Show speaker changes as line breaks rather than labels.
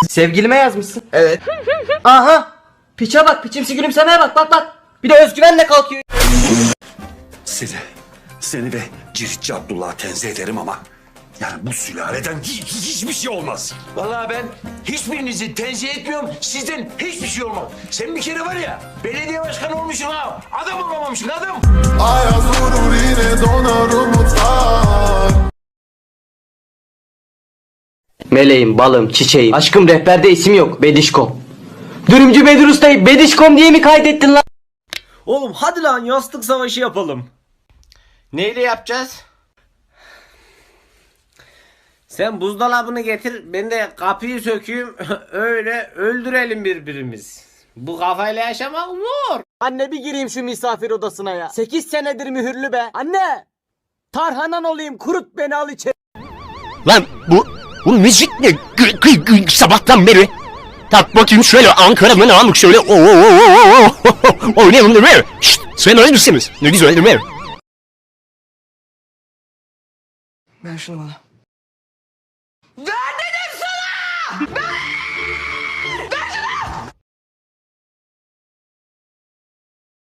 Sevgilime yazmışsın.
Evet.
Aha. Piçe bak, piçimsi gülümsemeye bak, bak bak. Bir de özgüvenle kalkıyor.
Seni ve Ciritçi Abdullah'ı tenzih ederim ama yani bu sülaleden hiçbir şey olmaz.
Vallahi ben hiçbirinizi tenzih etmiyorum. Sizden hiçbir şey olmaz. Sen bir kere var ya belediye başkanı olmuşsun ha. Adam olamamışsın adam.
Ayaz vurur yine donar umutlar.
Meleğim, balım, çiçeğim. Aşkım rehberde isim yok. Bedişkom. Dürümcü Bedir Usta'yı Bedişkom diye mi kaydettin lan?
Oğlum hadi lan yastık savaşı yapalım.
Neyle yapacağız?
Sen buzdolabını getir, ben de kapıyı sökeyim, öyle öldürelim birbirimiz. Bu kafayla yaşamak zor.
Anne bir gireyim şu misafir odasına ya. 8 senedir mühürlü be. Anne! Tarhanan olayım, kurut beni, al içeri.
Lan bu müzik ne? Sabahtan beri. Tak bakayım şöyle Ankara'nın amık şöyle. Oynayalım değil mi? Şşt, söyler misiniz? Ne güzel değil mi?
Ver şunu bana.